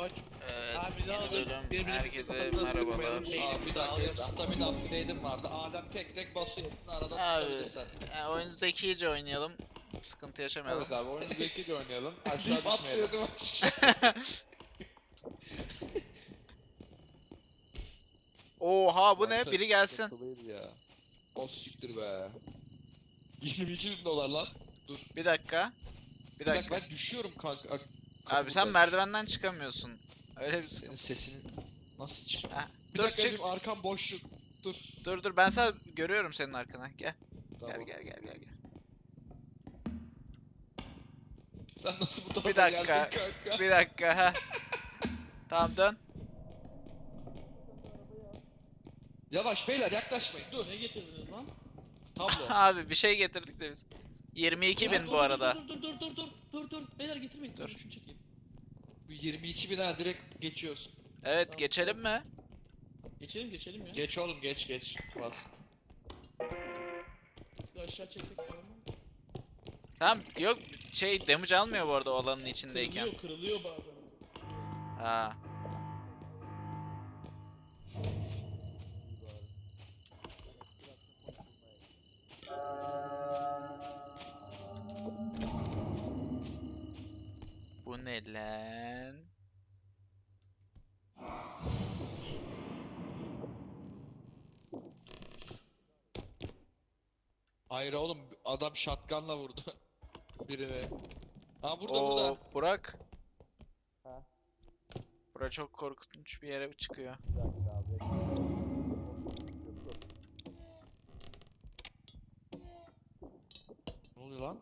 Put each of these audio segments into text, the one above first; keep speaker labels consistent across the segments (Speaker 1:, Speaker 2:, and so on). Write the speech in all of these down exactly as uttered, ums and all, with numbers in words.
Speaker 1: Koç.
Speaker 2: Evet,
Speaker 1: Abi ne
Speaker 2: yeni
Speaker 1: olur,
Speaker 2: bölüm.
Speaker 1: birbirimizi
Speaker 2: Herkese
Speaker 1: kafasına
Speaker 2: merhabalar.
Speaker 1: sıkmayalım.
Speaker 3: Aa, bir dakika benim stamina upgrade'im vardı. Adem tek tek basıyor. Arada
Speaker 2: Abi,
Speaker 3: tutabilirsen.
Speaker 2: e, oyunu zekice oynayalım. Sıkıntı yaşamayalım.
Speaker 4: Evet abi oyunu zekice oynayalım. Aşağı
Speaker 3: Deyip
Speaker 4: düşmeyelim.
Speaker 3: atlıyordum aşağı.
Speaker 2: Oha bu ne?
Speaker 4: Harita
Speaker 2: Biri gelsin.
Speaker 4: sıkıntılıydı ya. O siktir be. yirmi iki bin dolar lan. Dur.
Speaker 2: Bir dakika. Bir
Speaker 4: Bir dakika
Speaker 2: dakika.
Speaker 4: ben düşüyorum kanka. Ak-
Speaker 2: Abi sen
Speaker 4: kapıdaymış.
Speaker 2: merdivenden çıkamıyorsun. Öyle bir
Speaker 4: Senin
Speaker 2: sıkıntı.
Speaker 4: sesini nasıl çık?
Speaker 2: Ha,
Speaker 4: Bir
Speaker 2: dur
Speaker 4: dakika
Speaker 2: çık.
Speaker 4: benim arkam boşluk. Dur.
Speaker 2: Dur dur ben sana görüyorum senin arkana. Gel.
Speaker 4: Tamam.
Speaker 2: Gel gel gel gel gel.
Speaker 4: Sen nasıl bu tarafa
Speaker 2: Bir dakika.
Speaker 4: geldin kanka?
Speaker 2: Bir dakika ha. Tamam dön.
Speaker 4: Yavaş beyler yaklaşmayın dur.
Speaker 1: Ne getirdiniz lan?
Speaker 4: Tablo.
Speaker 2: Abi bir şey getirdik de biz. yirmi iki
Speaker 1: Ya
Speaker 2: bin
Speaker 1: dur,
Speaker 2: bu
Speaker 1: dur,
Speaker 2: arada.
Speaker 1: Dur dur dur dur dur dur dur. Beyler getirmeyin.
Speaker 2: Dur.
Speaker 1: Dur. Şunu çekeyim.
Speaker 4: Bu yirmi iki bin ha direkt geçiyoruz.
Speaker 2: Evet
Speaker 1: Tamam.
Speaker 2: geçelim mi?
Speaker 1: Geçelim geçelim ya.
Speaker 4: Geç oğlum geç geç. Bas.
Speaker 1: Şu aşağı çeksek tamam mı?
Speaker 2: Tamam yok şey damage almıyor bu arada o alanın içindeyken.
Speaker 1: Kırılıyor kırılıyor bazen.
Speaker 2: Ha. Bu ne lan?
Speaker 4: Hayır oğlum adam shotgunla vurdu. Birini. Ha burada
Speaker 2: Oo,
Speaker 4: burada.
Speaker 2: Burak.
Speaker 4: Ha.
Speaker 2: Bura çok korkunç bir yere çıkıyor.
Speaker 4: Ne oluyor lan?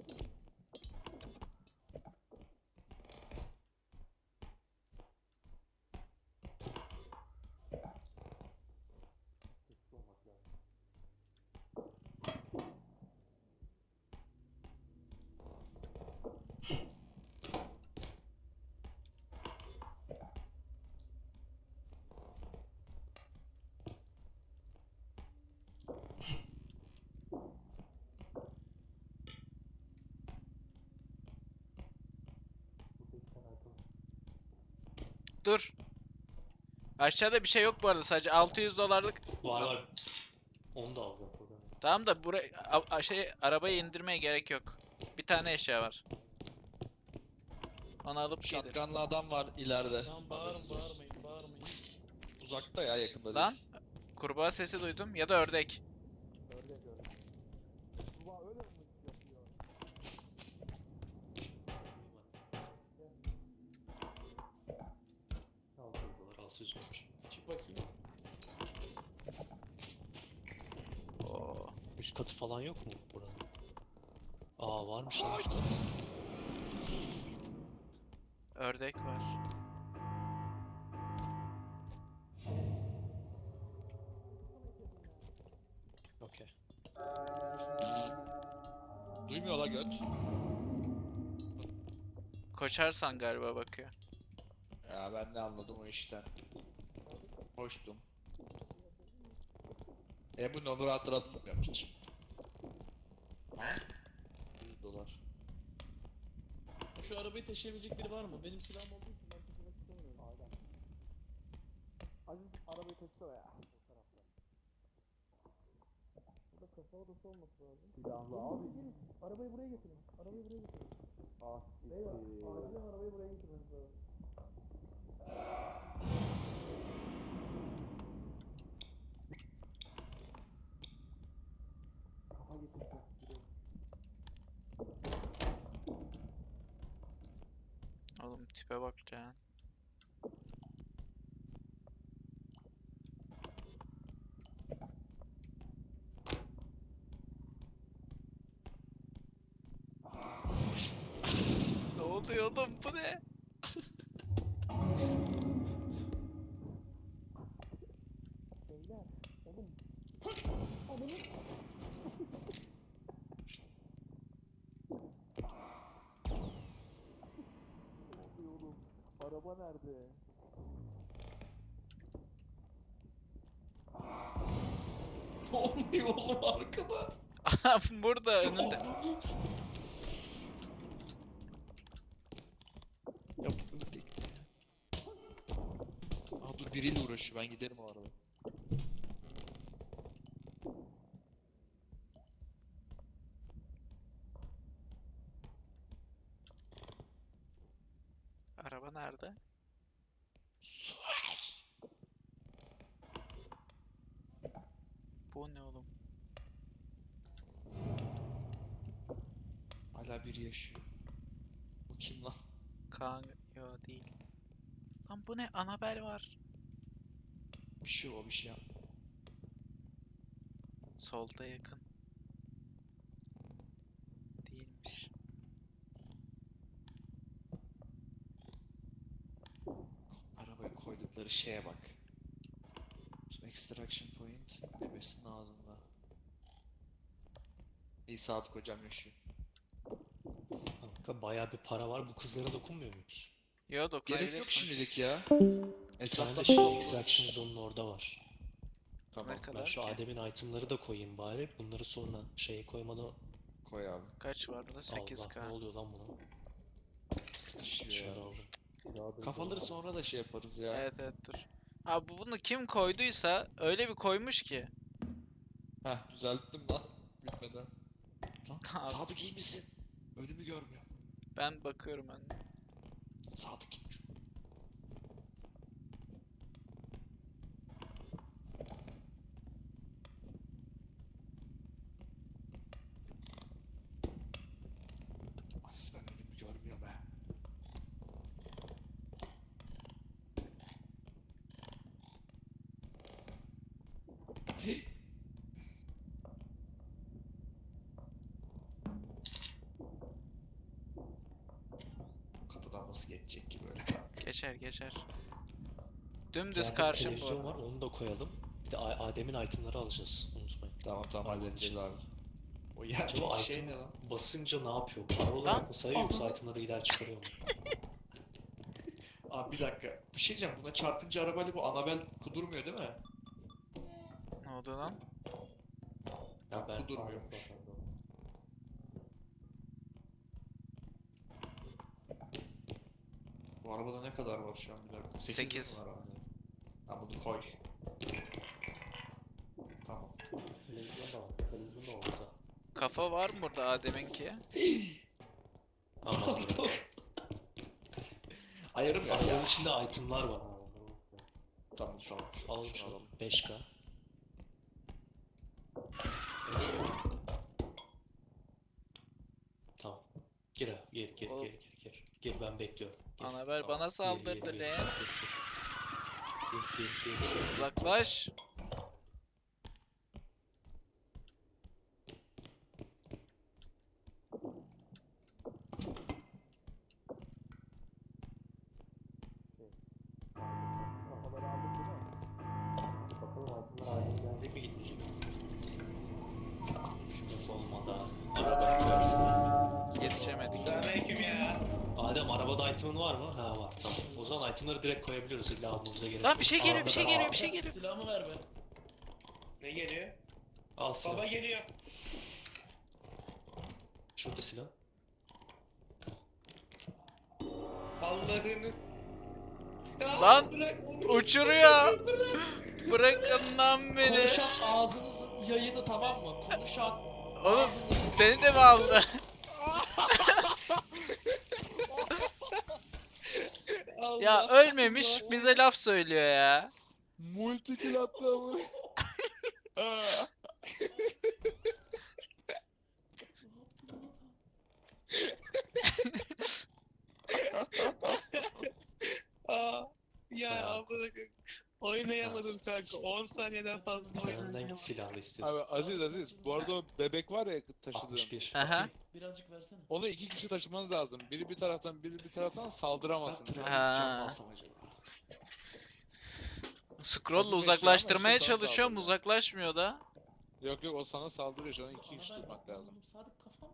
Speaker 2: Dur. Aşağıda bir şey yok bu arada sadece altı yüz dolarlık.
Speaker 5: Var var. Onu da alacağım buradan.
Speaker 2: Tamam da buraya a- a- şey arabayı indirmeye gerek yok. Bir tane eşya var. Onu alıp gidelim.
Speaker 4: Shotgunla adam var ileride.
Speaker 1: Tamam bağırın
Speaker 4: Haberiniz olsun.
Speaker 1: bağırmayın bağırmayın.
Speaker 4: Uzakta ya yakında
Speaker 2: Lan
Speaker 4: değil.
Speaker 2: kurbağa sesi duydum ya da ördek.
Speaker 5: altı yüz dolar, altı yüz olmuş.
Speaker 1: Çık bakayım.
Speaker 2: Oo.
Speaker 5: Üst katı falan yok mu buranın? Aa varmış lan üst katı.
Speaker 2: Ördek var.
Speaker 5: Okey.
Speaker 4: Duymuyor la göt.
Speaker 2: Koşarsan galiba bakıyor.
Speaker 4: Ya ben ne anladım o işten. Hoştum. E bu ne olur hatırlatmıyorum hiç. yüz dolar.
Speaker 1: Şu arabayı taşıyabilecek biri var mı? Benim silahım olduğu için ben taşımak istemiyorum. Aziz arabayı taşısana ya. Burada kafa odası olması lazım. Silahlı abi. Gelin, arabayı buraya getirin. Arabayı buraya getirin. Ah, beyler, acilen arabayı buraya getirmeniz lazım. Kafa getirsin.
Speaker 2: Oğlum tipe bak ya. Ne oluyor oğlum bu ne?
Speaker 1: Beyler, oğlum. Adamı... oğlum, araba nerede?
Speaker 4: Ne oluyor oğlum arkada?
Speaker 2: Burada önünde.
Speaker 4: Ya bu ördek ne ya? biriyle uğraşıyor. Ben giderim o arada.
Speaker 2: Araba nerede?
Speaker 4: Suar.
Speaker 2: Bu ne oğlum?
Speaker 4: Hala biri yaşıyor. Bu kim lan?
Speaker 2: Kaan... Yo değil. Lan bu ne? Annabelle var.
Speaker 4: Bir şey o bir şey yap.
Speaker 2: Solda yakın. Değilmiş.
Speaker 4: Arabaya koydukları şeye bak. Extraction point bebesinin ağzında. İyi Sadık hocam yaşıyor.
Speaker 5: Kanka bayağı bir para var. Bu kızlara dokunmuyor muyuz?
Speaker 2: Yo
Speaker 4: Gerek yok
Speaker 2: dokunabilirsin.
Speaker 4: şimdilik ya.
Speaker 5: Bir
Speaker 4: Etrafta
Speaker 5: tane de şey
Speaker 4: bakalım.
Speaker 5: extraction zone'un orada var.
Speaker 4: Tamam
Speaker 2: Ne
Speaker 5: Ben
Speaker 2: kadar
Speaker 5: şu
Speaker 2: ki?
Speaker 5: Adem'in itemları da koyayım bari. Bunları sonra şeye koymadan...
Speaker 4: koy abi.
Speaker 2: Kaç var burada? sekiz
Speaker 5: Allah,
Speaker 2: K.
Speaker 5: ne oluyor lan buna?
Speaker 4: Sıkışıyor
Speaker 5: Şunu
Speaker 4: ya.
Speaker 5: da aldım.
Speaker 4: Kafaları sonra da şey yaparız ya.
Speaker 2: Evet evet dur. Abi bu- bunu kim koyduysa öyle bir koymuş ki.
Speaker 4: Heh düzelttim lan. Bitmeden. Lan
Speaker 2: Abi.
Speaker 4: Sadık iyi misin? Önümü görmüyor.
Speaker 2: Ben bakıyorum ben.
Speaker 4: Sadık gitmiş. As ben önümü görmüyorum ha. Hey! Kapıdan nasıl geçecek ki böyle?
Speaker 2: Geçer geçer. Dümdüz
Speaker 5: İçeride
Speaker 2: karşım
Speaker 5: televizyon
Speaker 2: bu.
Speaker 5: var, onu da koyalım. Bir de A- Adem'in itemları alacağız. Unutmayın.
Speaker 4: Tamam tamam
Speaker 5: Arabanın
Speaker 4: halledeceğiz
Speaker 5: içinde.
Speaker 4: abi. O
Speaker 5: Acaba
Speaker 4: yerdeki şey
Speaker 5: item
Speaker 4: ne lan?
Speaker 5: basınca ne yapıyor? Para olarak mı sayıyor yoksa
Speaker 4: Aha.
Speaker 5: itemları iler çıkarıyor mu?
Speaker 4: Abi bir dakika. Bir şey diyeceğim. Buna çarpınca arabayla bu Annabelle kudurmuyor değil mi?
Speaker 2: Ne oldu lan?
Speaker 5: Ya ben
Speaker 4: Kudurmuyormuş. Bu arabada ne kadar var şu an bir dakika? sekiz
Speaker 2: Sekiz.
Speaker 4: mi var abi? Ha bunu koy. Tamam.
Speaker 5: televizyon da var. Televizyon da orada.
Speaker 2: Kafa var mı burada Adem'inki?
Speaker 5: Aman bırak.
Speaker 4: Ayarım ya.
Speaker 5: Arabanın içinde itemlar var.
Speaker 4: Tamam tamam. Şunu,
Speaker 5: Alalım
Speaker 4: şunu
Speaker 5: şunu.
Speaker 4: alalım.
Speaker 5: beş K. Tamam. Gir abi. Gir gir
Speaker 2: Oğlum.
Speaker 5: gir gir gir. Gir ben bekliyorum. Gir.
Speaker 2: Annabelle
Speaker 4: Tamam.
Speaker 2: bana
Speaker 5: Gir, gir,
Speaker 2: saldırdı
Speaker 5: gir,
Speaker 2: lan.
Speaker 5: gir, gir. Gir gir gir gir.
Speaker 2: Uzaklaş.
Speaker 1: Kafaları aldık değil mi?
Speaker 5: Bakalım itemlar Adem gelecek mi gitmeyecek mi? Olmadı abi. Araba versin.
Speaker 2: Yetişemedik.
Speaker 3: Selamünaleyküm ya.
Speaker 5: Adem arabada item'ın var mı? Ha var tamam. O zaman itemları direkt koyabiliyoruz. İlla almamıza gerek
Speaker 2: Lan
Speaker 5: yok.
Speaker 2: bir şey geliyor bir şey
Speaker 5: Arabada-
Speaker 2: geliyor bir şey geliyor.
Speaker 1: Silahımı ver be.
Speaker 3: Ne geliyor?
Speaker 5: Al silah.
Speaker 3: Baba geliyor.
Speaker 5: Şurada silah.
Speaker 3: Allah'ınız. Ya,
Speaker 2: Lan,
Speaker 3: bırak onu.
Speaker 2: Uçuruyor. Bırakın lan beni.
Speaker 4: Konuşan ağzınızın yayını tamam mı? Konuşan
Speaker 2: Oğlum
Speaker 4: ağzınızın...
Speaker 2: seni de mi aldı?
Speaker 3: Allah
Speaker 2: Ya ölmemiş bize laf söylüyor ya.
Speaker 4: Multikill attı ama.
Speaker 3: Aa, ya
Speaker 5: Bayağı.
Speaker 3: amına koyayım. Oynayamadım kanka. on saniyeden fazla
Speaker 5: Sen
Speaker 3: oynayamadım.
Speaker 5: hangi silahla istiyorsun?
Speaker 6: Abi Aziz Aziz bu arada o bebek var ya taşıdığın.
Speaker 5: altmış bir.
Speaker 2: Aha.
Speaker 5: Atayım.
Speaker 1: Birazcık versene.
Speaker 6: Onu iki kişi taşımanız lazım. Biri bir taraftan biri bir taraftan saldıramasın.
Speaker 4: Ben
Speaker 2: Ha.
Speaker 4: trafik cam alsam acaba?
Speaker 2: Scroll'la
Speaker 6: Acı
Speaker 2: uzaklaştırmaya
Speaker 6: işte sana
Speaker 2: çalışıyorum
Speaker 6: saldırıyor.
Speaker 2: uzaklaşmıyor da.
Speaker 6: Yok yok o sana saldırıyor şu an iki kişi tutmak lazım.
Speaker 1: Sadık kafam.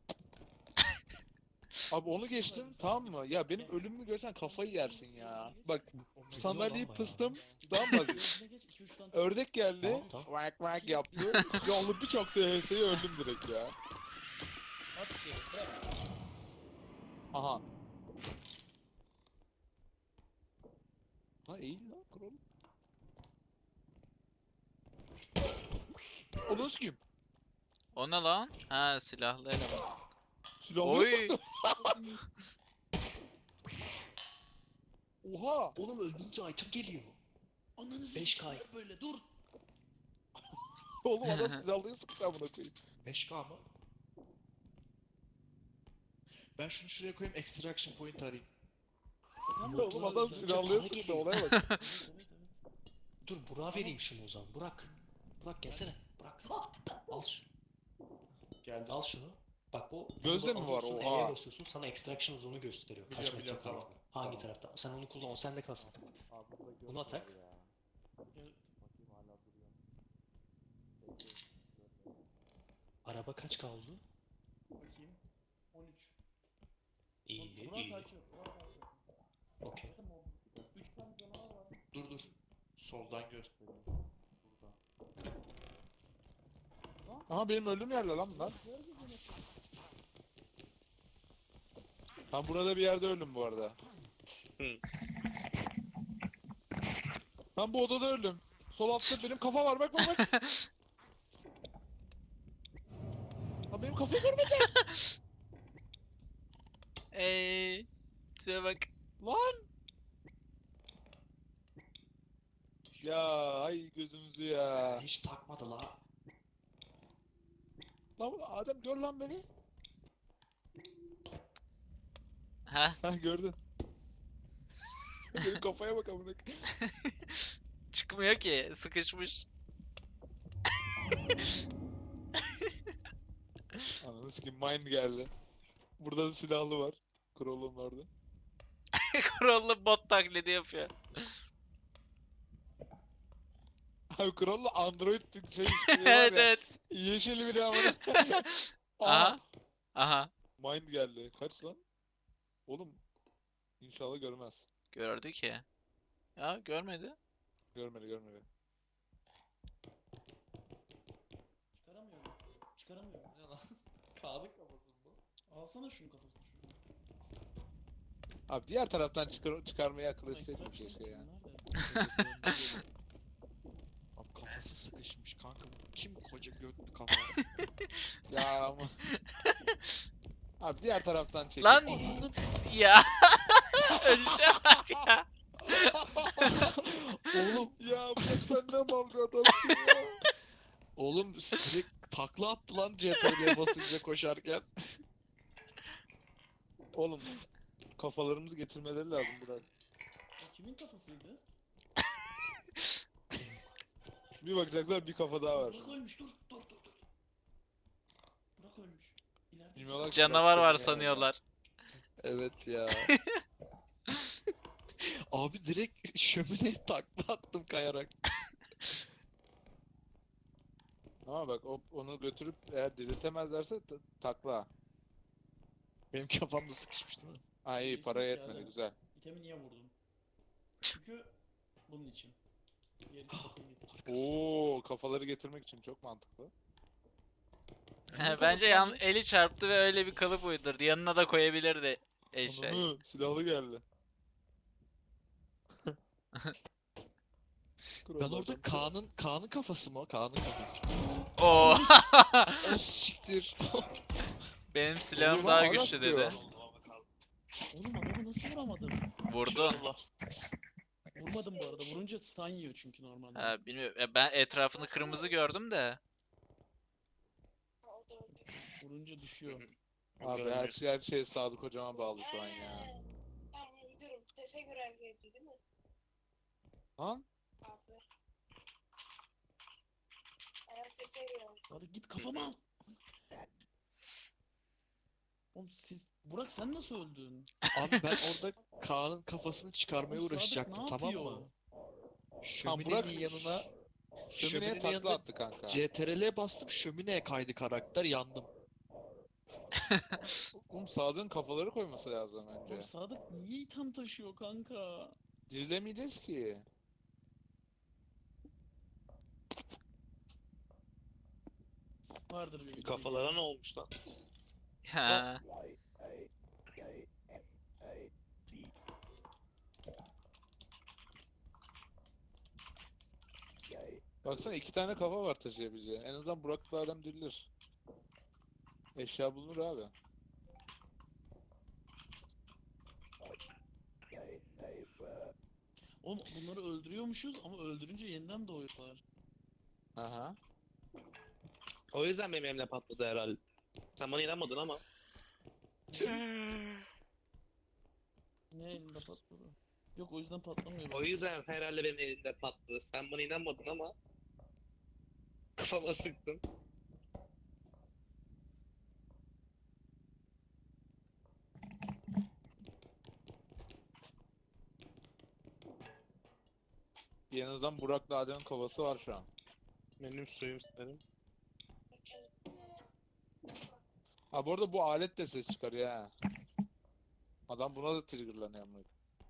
Speaker 6: Abi onu geçtim tamam mı? Ya benim ölümümü görsen kafayı yersin ya. Bak sandalyeyi
Speaker 5: bayağı.
Speaker 6: pıstım. Tamam mı Aziz?
Speaker 1: Önüne geç, iki üç tane.
Speaker 6: Ördek geldi.
Speaker 5: Tamam, tamam.
Speaker 6: Vak vak yaptı. Yollu bir çaktı H S'yi öldüm direkt ya.
Speaker 1: At içeri, bırak.
Speaker 6: Aha. Ha iyi lan kuralım. O nasıl kim?
Speaker 2: O ne lan? Ha, silahlı eleman.
Speaker 6: Silahlı
Speaker 2: Oy.
Speaker 6: sıktı. Oha.
Speaker 5: Oğlum öldüğünce item geliyor.
Speaker 1: Ananı
Speaker 5: beş K.
Speaker 1: s**eyim böyle dur.
Speaker 6: Oğlum adam silahlıya sıktı amına koyayım.
Speaker 3: beş K mı? Ben şunu şuraya koyayım, extraction point arayayım.
Speaker 1: Tamam,
Speaker 5: Yok
Speaker 6: Oğlum
Speaker 5: lan,
Speaker 6: adam
Speaker 5: önce
Speaker 6: silahlıya
Speaker 5: para
Speaker 6: sıktı
Speaker 5: geliyor.
Speaker 6: olaya bak.
Speaker 1: Evet, evet, evet.
Speaker 5: Dur Burak'a vereyim şunu o zaman. Burak. Burak gelsene. Burak. Al şunu.
Speaker 3: Geldim.
Speaker 5: Al şunu. Bak bu
Speaker 6: Gözde
Speaker 5: bunu
Speaker 6: mi var?
Speaker 5: alıyorsun,
Speaker 6: Oha.
Speaker 5: E'ye basıyorsun, sana extraction zone'u gösteriyor. Kaç
Speaker 3: Biliyorum,
Speaker 5: metre
Speaker 3: biliyorum, tamam.
Speaker 5: kaldığını. Hangi
Speaker 3: Tamam.
Speaker 5: tarafta? Sen onu kullan, o sende kalsın. Buna tak. Araba kaç kaldı?
Speaker 1: Bakayım. on üç.
Speaker 5: İyi,
Speaker 1: Burak
Speaker 5: iyi.
Speaker 1: takip et, Burak takip et.
Speaker 5: Okey.
Speaker 1: Zaten o üç tane canavar var.
Speaker 3: Dur dur. Soldan gör.
Speaker 6: Aha benim öldüğüm yerler lan bunlar. Ben burada bir yerde öldüm bu arada. Ben bu odada öldüm. Sol altta benim kafa var bak bak bak. Lan benim kafayı görmedi.
Speaker 2: Eee. Tipe bak.
Speaker 6: Lan. Ya ay gözümüzü ya.
Speaker 3: Hiç takmadı la.
Speaker 6: Lan Adem gör lan beni.
Speaker 2: Ha?
Speaker 6: Hah gördün. Benim kafaya bak amına.
Speaker 2: Çıkmıyor ki. Sıkışmış.
Speaker 6: Ananı sikeyim mine geldi. Burada da silahlı var. Krolum vardı.
Speaker 2: Kurallı bot taklidi yapıyor.
Speaker 6: Abi Krol'la Android şey işte var
Speaker 2: Evet
Speaker 6: ya.
Speaker 2: evet.
Speaker 6: Yeşil bir amına.
Speaker 2: Aha. Aha.
Speaker 6: Mind geldi. Kaç lan? Oğlum inşallah görmez.
Speaker 2: Gördü ki. Ya görmedi.
Speaker 6: Görmedi görmedi.
Speaker 1: Çıkaramıyorum. Çıkaramıyorum.
Speaker 3: Ne lan? Kağıdın kafası mı bu?
Speaker 1: Alsana şunun kafasını şuradan.
Speaker 6: Abi diğer taraftan çıkar çıkarmayı akıl etseydin
Speaker 1: Extraction
Speaker 6: keşke ya.
Speaker 1: nerede?
Speaker 3: Abi kafası sıkışmış kanka. Kim koca götlü kafa?
Speaker 6: Ya ama. Abi diğer taraftan çek.
Speaker 2: Lan ya. Öleceğim bak ya.
Speaker 6: Oğlum ya bu sen ne mal bir adamsın ya.
Speaker 3: Oğlum direkt takla attı lan C T R'ye basınca koşarken.
Speaker 6: Oğlum kafalarımızı getirmeleri lazım Burak.
Speaker 1: O kimin kafasıydı?
Speaker 6: Bir bakacaklar bir kafa daha var.
Speaker 1: Burak ölmüş dur dur dur dur. Burak ölmüş. İleride
Speaker 6: Bilmiyorlar ki
Speaker 2: Canavar
Speaker 6: Burak
Speaker 2: var
Speaker 6: seni ya.
Speaker 2: sanıyorlar.
Speaker 3: Evet ya. Abi direkt şömineye takla attım kayarak.
Speaker 6: Ama bak o, onu götürüp eğer delirtemezlerse ta- takla.
Speaker 3: Benim kafamda sıkışmış değil mi?
Speaker 6: Ha iyi
Speaker 1: Değişmiş
Speaker 6: para
Speaker 1: ya,
Speaker 6: yetmedi
Speaker 1: değil mi?
Speaker 6: güzel.
Speaker 1: İtemi niye vurdun? Çünkü bunun için. Diğer iki kafayı getir.
Speaker 6: Oo kafaları getirmek için çok mantıklı.
Speaker 2: He, Bence yan eli çarptı ve öyle bir kalıp uydurdu. Yanına da koyabilirdi eşeği.
Speaker 6: Ananı silahlı geldi.
Speaker 3: Ben orada Kaan'ın Kaan'ın kafası mı o? Kaan'ın kafası.
Speaker 2: Oo.
Speaker 3: O siktir.
Speaker 2: Benim silahım
Speaker 6: Oğlum,
Speaker 2: daha
Speaker 6: hala
Speaker 2: güçlü
Speaker 6: sıkıyor.
Speaker 2: dedi.
Speaker 1: Oğlum adamı nasıl vuramadım?
Speaker 2: Vurdun.
Speaker 1: Vurmadım bu arada. Vurunca stun yiyor çünkü normalde.
Speaker 2: Ha, bilmiyorum. Ya ben etrafını kırmızı gördüm de.
Speaker 1: Vurunca düşüyor.
Speaker 6: Abi her şey her şey Sadık hocama bağlı şu an ya.
Speaker 7: Ben müdürüm. Sese görev verdi değil mi?
Speaker 6: Lan
Speaker 7: Abi. Ayak sese görev.
Speaker 1: Hadi git kafama al. Oğlum siz... Burak sen nasıl öldün?
Speaker 3: Abi ben orada Kaan'ın kafasını çıkarmaya
Speaker 1: Oğlum Sadık
Speaker 3: uğraşacaktım
Speaker 1: ne
Speaker 3: tamam
Speaker 1: yapıyor?
Speaker 3: mı?
Speaker 6: Burak-
Speaker 3: Şöminenin yanına
Speaker 6: şömineye
Speaker 3: şöminenin
Speaker 6: takla
Speaker 3: yanına
Speaker 6: attı kanka.
Speaker 3: C T R L'ye bastım şömineye kaydı karakter yandım.
Speaker 6: Oğlum Sadık'ın kafaları koyması lazım
Speaker 1: Oğlum
Speaker 6: önce.
Speaker 1: Sadık niye itham taşıyor kanka?
Speaker 6: Dirilemeyeceğiz ki.
Speaker 1: Vardır bir bildiğin.
Speaker 5: Kafalara ne olmuş lan?
Speaker 2: Ha.
Speaker 6: Baksana iki tane kafa var taşıyabileceği. En azından Burak'la adam dirilir. Eşya bulunur abi.
Speaker 1: Oğlum bunları öldürüyormuşuz ama öldürünce yeniden doğuyorlar.
Speaker 6: Aha.
Speaker 8: O yüzden benim elimle patladı herhalde. Sen bana inanmadın ama.
Speaker 1: Ne elinde patladı? Yok o yüzden patlamıyor.
Speaker 8: O yüzden herhalde benim elimde patladı. Sen bana inanmadın ama. Kafama sıktın.
Speaker 6: En azından Burak'la Adem'in kafası var şu an.
Speaker 8: Benim suyum senin.
Speaker 6: Ha bu arada bu alet de ses çıkarıyor ha. Adam buna da triggerlanıyor amına.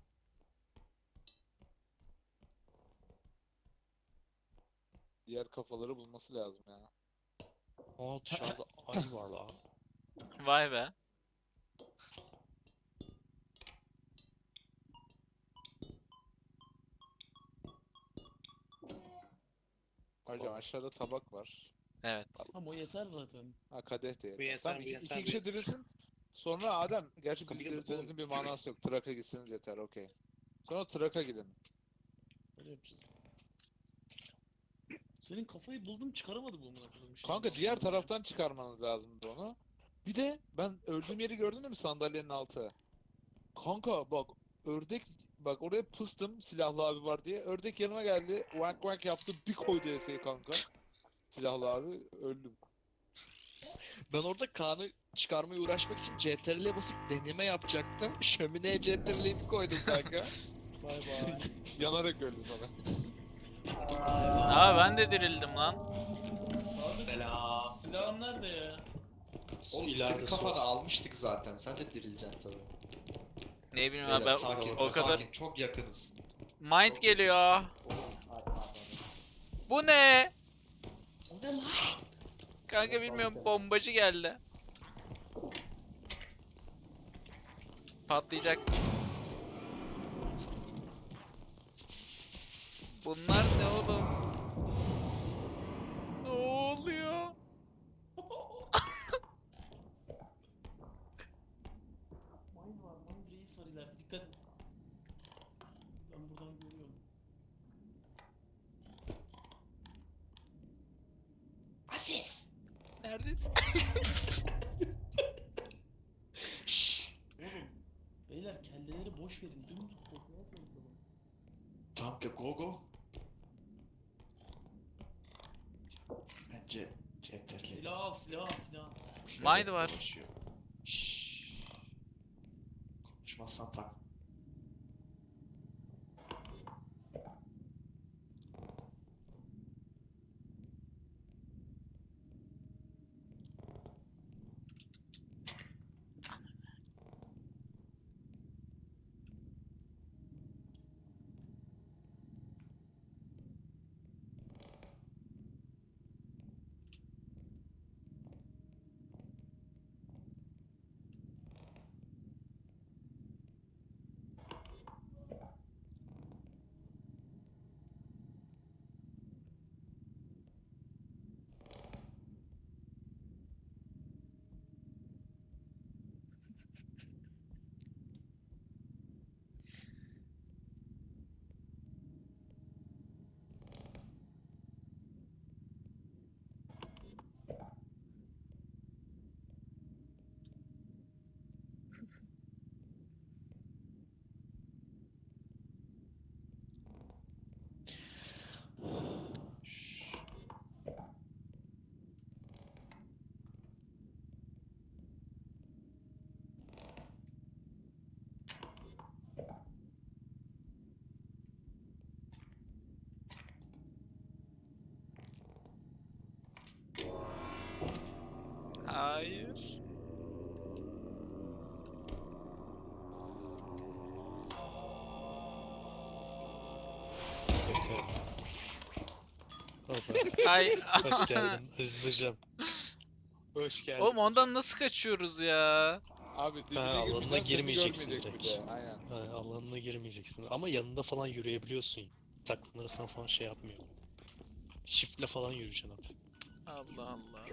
Speaker 6: Diğer kafaları bulması lazım ya.
Speaker 3: Aa dışarıda ayı var la.
Speaker 2: Vay be.
Speaker 6: Ayrıca aşağıda tabak var.
Speaker 2: Evet.
Speaker 1: Ama o yeter zaten.
Speaker 6: Ha kadeh de yeter.
Speaker 8: Bu yeter,
Speaker 6: Tamam
Speaker 8: bu
Speaker 6: iki,
Speaker 8: yeter,
Speaker 6: iki
Speaker 8: bu
Speaker 6: kişi
Speaker 8: yeter.
Speaker 6: dirilsin. Sonra Adem, gerçi
Speaker 8: Kapıyı
Speaker 6: bizi
Speaker 8: kapatalım.
Speaker 6: diriltmenizin bir manası yok. Trak'a gitseniz yeter, okey. Sonra Trak'a gidin.
Speaker 1: Öyle yapacağız. Senin kafayı buldum çıkaramadım bu amına koyayım. işte.
Speaker 6: Kanka diğer taraftan çıkarmanız lazımdı onu. Bir de ben öldüğüm yeri gördün mü sandalyenin altı? Kanka bak ördek bak oraya pıstım silahlı abi var diye. Ördek yanıma geldi. Wank wank yaptı. Bir koydu eseyi kanka. Silahlı abi öldüm.
Speaker 3: Ben orada Kaan'ı çıkarmaya uğraşmak için C T R L'ye basıp deneme yapacaktım. Şömineye C T R L'yi bir koydum kanka.
Speaker 1: Bay bay.
Speaker 6: Yanarak öldü sana.
Speaker 2: Aa ben de dirildim lan.
Speaker 8: Selam.
Speaker 1: Silahın nerede ya?
Speaker 5: Su
Speaker 9: Oğlum biz
Speaker 5: ileride
Speaker 9: senin
Speaker 5: su.
Speaker 9: kafanı almıştık zaten. Sen de dirileceksin tabii.
Speaker 2: Ne bileyim
Speaker 9: Beyler,
Speaker 2: abi ben
Speaker 9: sakin,
Speaker 2: o kadar
Speaker 9: sakin, çok yakınız.
Speaker 2: mind
Speaker 9: Çok
Speaker 2: geliyor.
Speaker 9: yakınız.
Speaker 2: Bu ne?
Speaker 1: O ne lan?
Speaker 2: Kanka bilmiyorum bombacı geldi. Patlayacak. Bunlar ne oğlum? Ne oluyor?
Speaker 1: Mine var, mine reis var ileride. Dikkat et. Ben buradan görüyorum.
Speaker 9: Aziz!
Speaker 2: Neredesin?
Speaker 1: Oğlum. Beyler kelleleri boş verin. Dümdüz fotoğraf yapalım.
Speaker 9: Tamam ki go go. Bence C T R L'yi
Speaker 1: Silah al, silah al, silah al.
Speaker 2: Mind var.
Speaker 9: dolaşıyor. Şşş. Konuşmazsan tak.
Speaker 2: Hayır. Ay.
Speaker 5: Hoş geldin Aziz hocam.
Speaker 8: Hoş geldin.
Speaker 2: Oğlum ondan nasıl kaçıyoruz ya?
Speaker 6: Abi dibine
Speaker 5: Ha, alanına
Speaker 6: girmeden seni
Speaker 5: girmeyeceksin
Speaker 6: görmeyecek bir
Speaker 5: direkt.
Speaker 6: de. Aynen.
Speaker 5: Ha, alanına girmeyeceksin ama yanında falan yürüyebiliyorsun. Takımlarına falan şey yapmıyor. Shift'le falan yürüyeceksin abi.
Speaker 2: Allah Allah.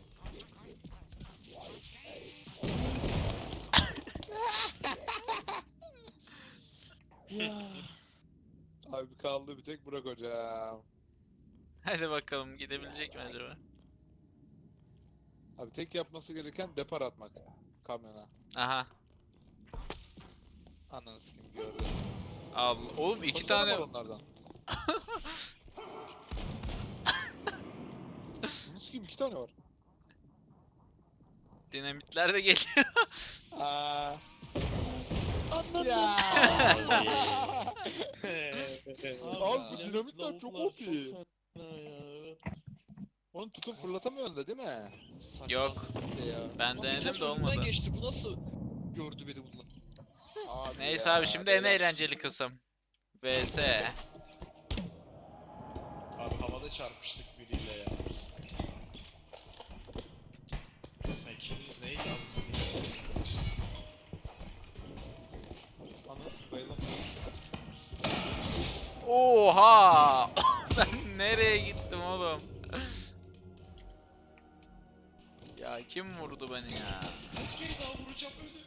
Speaker 6: Abi kaldı bir tek Burak hocam.
Speaker 2: Hadi bakalım gidebilecek mi acaba?
Speaker 6: Abi tek yapması gereken depar atmak kamyona.
Speaker 2: Aha.
Speaker 6: Ananı sikeyim gördüm.
Speaker 2: Allah. Oğlum iki
Speaker 6: Kaç tane
Speaker 2: tane.
Speaker 6: var onlardan? Bunu sikeyim iki tane var.
Speaker 2: Dinamitler de geliyor.
Speaker 6: Aa.
Speaker 3: Anladım.
Speaker 6: Ya.
Speaker 5: Abi,
Speaker 6: Abi bu dinamitler çok
Speaker 5: lavuklar
Speaker 6: O P.
Speaker 5: çok fena ya.
Speaker 6: Onu tutup fırlatamıyorsun da değil mi?
Speaker 2: Yok.
Speaker 6: Bir de ya.
Speaker 2: Ben
Speaker 3: Lan
Speaker 2: denedim
Speaker 3: vites
Speaker 2: de
Speaker 3: önümden
Speaker 2: olmadı.
Speaker 3: geçti. Bu nasıl gördü beni bunlar?
Speaker 6: Abi
Speaker 2: Neyse
Speaker 6: ya,
Speaker 2: abi şimdi en
Speaker 6: beyler.
Speaker 2: eğlenceli kısım. V S.
Speaker 5: Abi havada çarpıştık biriyle ya. Peki neydi abi?
Speaker 6: Ananı sikeyim bayıldım.
Speaker 2: Oha! Ben nereye gittim oğlum? Ya kim vurdu beni ya?
Speaker 3: Kaç kere daha vuracağım öyle?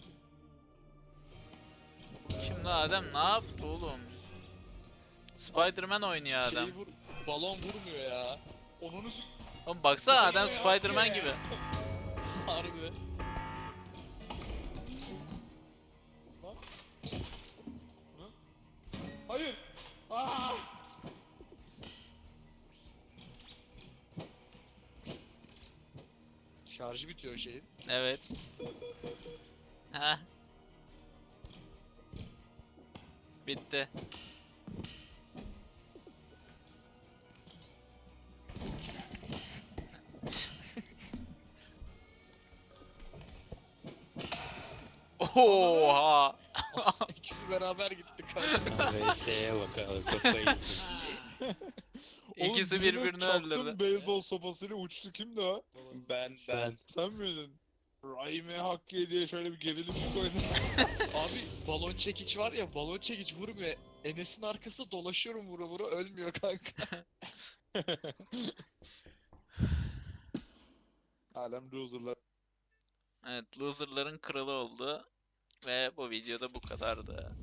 Speaker 2: Şimdi Adem ne yaptı oğlum? Spider-Man oynuyor
Speaker 3: Şeyi
Speaker 2: Adem.
Speaker 3: vur, balon vurmuyor ya. Onunu s-
Speaker 2: Oğlum baksana Adem
Speaker 3: Ya,
Speaker 2: Spider-Man
Speaker 3: ya.
Speaker 2: gibi.
Speaker 3: harbi.
Speaker 6: Hayır. Aa!
Speaker 3: Şarjı bitiyor şeyin.
Speaker 2: Evet. Heh. Bitti. Oha!
Speaker 3: İkisi beraber gitti kanka.
Speaker 5: V S'ye bak abi kafayı yedim.
Speaker 2: İkisi
Speaker 6: Oğlum, birine
Speaker 2: birbirini
Speaker 6: çaktım,
Speaker 2: öldürdü.
Speaker 6: beyzbol sopasıyla uçtu. Kimdi o?
Speaker 8: Ben
Speaker 5: Ben
Speaker 6: Sen miydin? Rahime Hakkı diye şöyle bir gerilim koydum.
Speaker 3: Abi balon çekiç var ya, balon çekiç vurmuyor. Enes'in arkasında dolaşıyorum vura vura, ölmüyor kanka.
Speaker 6: Alem loserlar.
Speaker 2: Evet, loserların kralı oldu. Ve bu videoda bu kadardı.